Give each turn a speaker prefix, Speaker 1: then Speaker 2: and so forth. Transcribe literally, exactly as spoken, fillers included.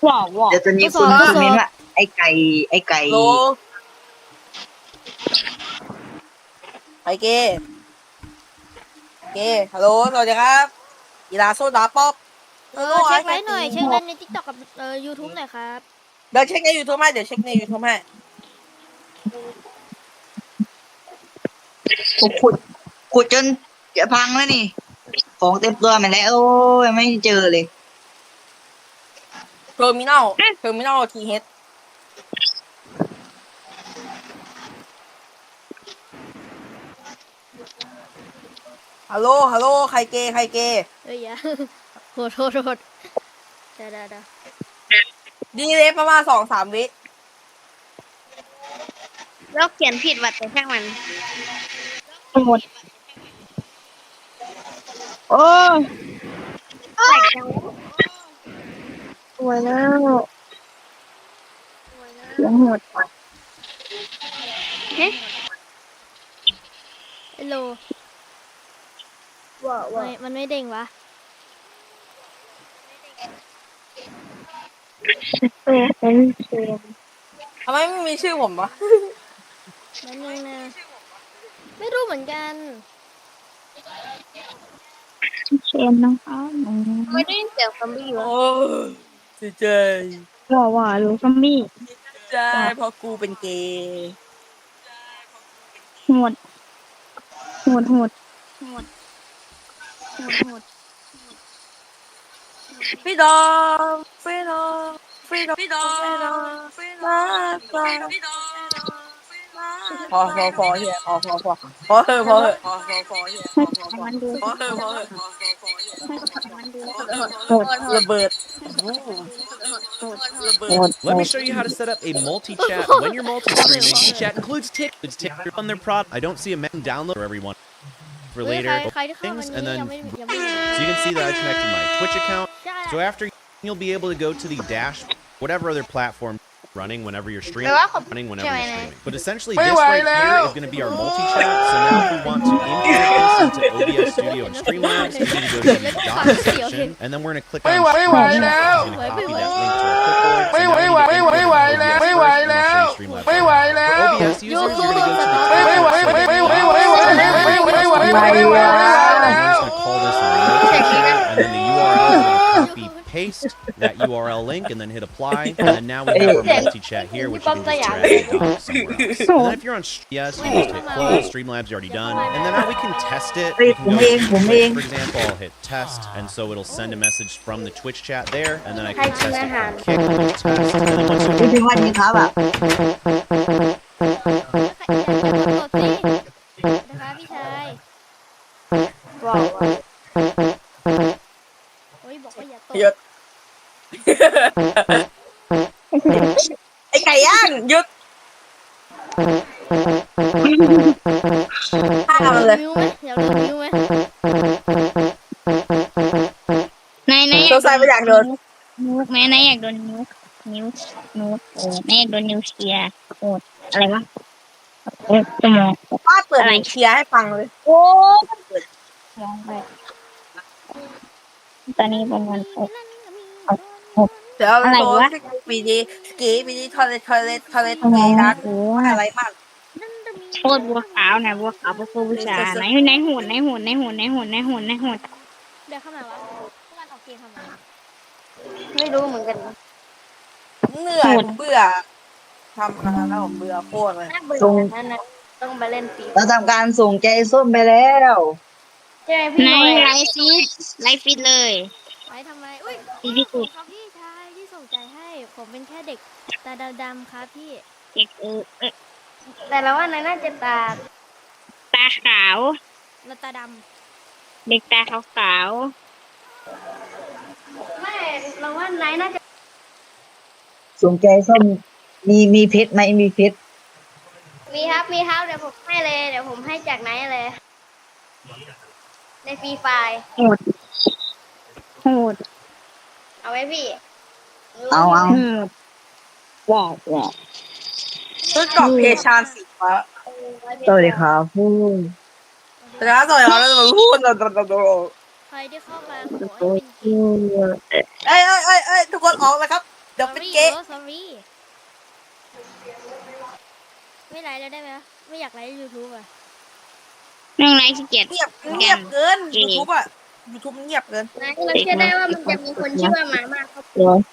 Speaker 1: ว้าวว้าว
Speaker 2: เดี๋ยวจะมีคนคอมเมนต์ว่าไอ้ไก่ไอ้ไก่
Speaker 3: โลไอเกเกฮัลโหลสวัสดีครับกีฬาโซดาป๊อป
Speaker 4: เออเช็คไลน์หน่อยเช็คไลน์ในทิกตอกกับเอ่อยูทูบหน่อยครับ
Speaker 3: เดี๋ยวเช็คในยูทูบให้เดี๋ยวเช็คในยูทูบให้
Speaker 2: ขุดขุดขุดจนจะพังแล้วนี่ ของเต็มตัวมาแล้วโอ้ยไม่เจอเลย
Speaker 3: เทอร์มินอลเทอร์มินอลทีเฮดฮัลโหลฮัลโหลใครเกใครเก
Speaker 4: เอ้ยอย่า โทษโทษโทษได้ได้ได้
Speaker 3: ดีเลยประมาณสองสามวิ
Speaker 1: แล้วเขียนผิดว่ะแต่ช่างมันหมดโอ้ยสวยแล้วเสียงหมดเฮ้ย
Speaker 4: ฮัลโหล
Speaker 1: ว้าว
Speaker 4: ไม่มันไม่เด้งวะ
Speaker 1: เออเป็นเสียง
Speaker 3: ทำไมไม่มีชื่อผมวะ
Speaker 4: นั่นนึงนะไม่รู้เหมือนกัน
Speaker 1: เสียงนะคะ
Speaker 5: ไม่ได้ยินเสียงซอมบี้วะ
Speaker 3: โอ้เสียใจ
Speaker 1: ว้าวว้าวรู้ซอมบี้
Speaker 3: ใจเพราะกูเป็นเกย์
Speaker 1: โหดโหดโหด
Speaker 4: โหดโหดโหด
Speaker 3: พี่ดอมพี่ดอมพี่ดอมพี่ดอมพี่ดอมพี่ดอมพอพอพอเฮียพอพอพอพอเถอะพอเถอะพอพอพอเฮียพอพอพอ
Speaker 1: มันดู
Speaker 3: พอเถอะพอเถอะ
Speaker 1: มันดู
Speaker 3: โหดระเบิดระเบิด
Speaker 6: Let me show you how to set up a multi-chat. When you're multi-streaming, chat includes tick. It's tick on their prod. I don't see a men download for everyone for
Speaker 4: เฮ้ย
Speaker 6: later
Speaker 4: ใครใครที่เข้าวัน
Speaker 6: things,
Speaker 4: นี้
Speaker 6: and
Speaker 4: ยัง
Speaker 6: then
Speaker 4: ไม่ยังไม่
Speaker 6: so you can see that I connected my Twitch account.
Speaker 4: ใช่
Speaker 6: So after you'll be able to go to the dash, whatever other platform running whenever you're streaming,
Speaker 5: แต่ว่าเขา
Speaker 6: running whenever
Speaker 5: ใช่ไหม
Speaker 6: you're
Speaker 5: นะ
Speaker 6: streaming. But essentially, this right here is going to be our multi-chat. So now if we want to import this into O B S Studio and Streamlabs, we need to go to the dot section, and then we're going to click on
Speaker 3: Wait, wait,
Speaker 6: Streamlabs.
Speaker 3: wait,
Speaker 6: It's
Speaker 3: now.
Speaker 6: going to copy that link to our clipboard. So
Speaker 3: Wait,
Speaker 6: now we
Speaker 3: wait,
Speaker 6: need to
Speaker 3: wait,
Speaker 6: import
Speaker 3: wait,
Speaker 6: it into
Speaker 3: wait,
Speaker 6: O B S
Speaker 3: now.
Speaker 6: first,
Speaker 3: Wait,
Speaker 6: and then
Speaker 3: now.
Speaker 6: we'll show you Streamlabs.
Speaker 3: Wait, wait,
Speaker 6: For
Speaker 3: now.
Speaker 6: O B S users, you're going to go to the
Speaker 3: Wait, wait, wait, wait, wait, wait, wait, wait, wait, wait, wait, wait, wait, wait,
Speaker 6: We're
Speaker 3: wait,
Speaker 6: just going to call this multi-chat, and then the U R L is going to copy paste that U R L link and then hit apply, and then now we have our multi-chat here, which you can just drag and drop somewhere else. And then if you're on sh- yes, you just hit close. Streamlabs already done, and then now we can test it. We can go to Twitch, for example. I'll hit test, and so it'll send a message from the Twitch chat there, and then I can test it from Kick, test, and then once
Speaker 2: ไม่ถึงวันนี้ครับอ่ะ
Speaker 4: แล้วใครอยากกดสินะคะพี่ชาย
Speaker 5: ว้าว
Speaker 4: โอ้ยบอกว่าอย่าตก
Speaker 3: หยุดไอ้ไก่ย่างหยุดฆ่ามันเลย
Speaker 4: วิวไหมอยากโดนวิวไหม
Speaker 1: นายนาย
Speaker 3: สงสัยไม่อยากโดน
Speaker 1: นิ้วแม่นายอยากโดนนิ้วนิ้วนิ้วโอ้แม่อยากโดนนิ้วเชียร์โอ้อะไรวะโอ้สมอง
Speaker 3: ป้าเปิดหนังเชียร์ให้ฟังเลย
Speaker 1: โอ้มองไปตอนนี้ประมาณหก
Speaker 3: เดี๋ยว
Speaker 1: อะไร
Speaker 3: โดน
Speaker 1: วะ
Speaker 3: ปีนี้สกีปีนี้ทอเลทอเลทอเลเกย์นะ
Speaker 1: โอ้
Speaker 3: อะไรมาก
Speaker 1: โทษบัวขาวนะบัวขาวบัวผู้ชายไหนไหนหุ่นไหนหุ่นไหนหุ่นไหนหุ่นไหนหุ่นไหนหุ่น
Speaker 4: เดี๋ยวเข้ามาวะพวกมันออกเกมทำไม
Speaker 5: ไม่รู้เหมือนกัน
Speaker 3: เหนื่อยผมเบื่อทำงานแล้วผมเบื่อโคตรเลย
Speaker 5: น่าเบื่อนั่นนะต้องไปเล่นฟี
Speaker 2: เราทำการส่งใจส้มไปแล้ว
Speaker 5: ใช่ไหมพี่
Speaker 1: ไหน
Speaker 5: หน่อย
Speaker 1: ไลฟ์ฟีดไลฟ์ฟีดเลย
Speaker 4: ไปทำไมอุ้ย
Speaker 1: ฟีดที่สุด
Speaker 4: ครับพี่ชายที่ส่งใจให้ ผมเป็นแค่เด็กตาดำๆครับพี่
Speaker 1: เด็กเออเออ
Speaker 5: แต่เราว่าในน่าจะตา
Speaker 1: ตาขาว
Speaker 4: แล้วตาด
Speaker 1: เด็กตาขาวขาว
Speaker 5: ไม่เราว่านายน่าจะ
Speaker 2: ส่งใจส้มมีมีเพชรไหมมีเพชร
Speaker 5: มีครับมีครับเดี๋ยวผมให้เลยเดี๋ยวผมให้จากไหนเลย ในฟรีไฟล์
Speaker 1: โหดโหด
Speaker 5: เอาไว้พี่
Speaker 2: เอาเอา
Speaker 1: โหดว้าวว้าว
Speaker 3: ชุดเกาะเพชานสีฟ้า
Speaker 2: สวัสดีครับผู้
Speaker 3: แต่ถ้าสวยเขาแล้วจะมาพูดโดนโดนโดน
Speaker 4: ำใครที่เข้ามาขอให้เป็น
Speaker 1: อืม
Speaker 3: เอ้ยเอ้ยเอ้ยเอ้ยทุกคนออกเลยครับเดี๋ยวเป็น
Speaker 4: sorry
Speaker 3: เก๊ะ
Speaker 4: โอ้ sorry ไม่ไลฟ์แล้วได้ไหมวะไม่อยากไลฟ์ยูทูบอ่ะ
Speaker 1: แม่งไรขี้เกียจ
Speaker 3: เงียบเงียบเกินยูทูบอะยูทูบมันเงียบเกิน
Speaker 5: นะเราเชื่อได้ว่ามันจะมีคนชื่อว่าหมามากครับ
Speaker 1: เดี๋ยว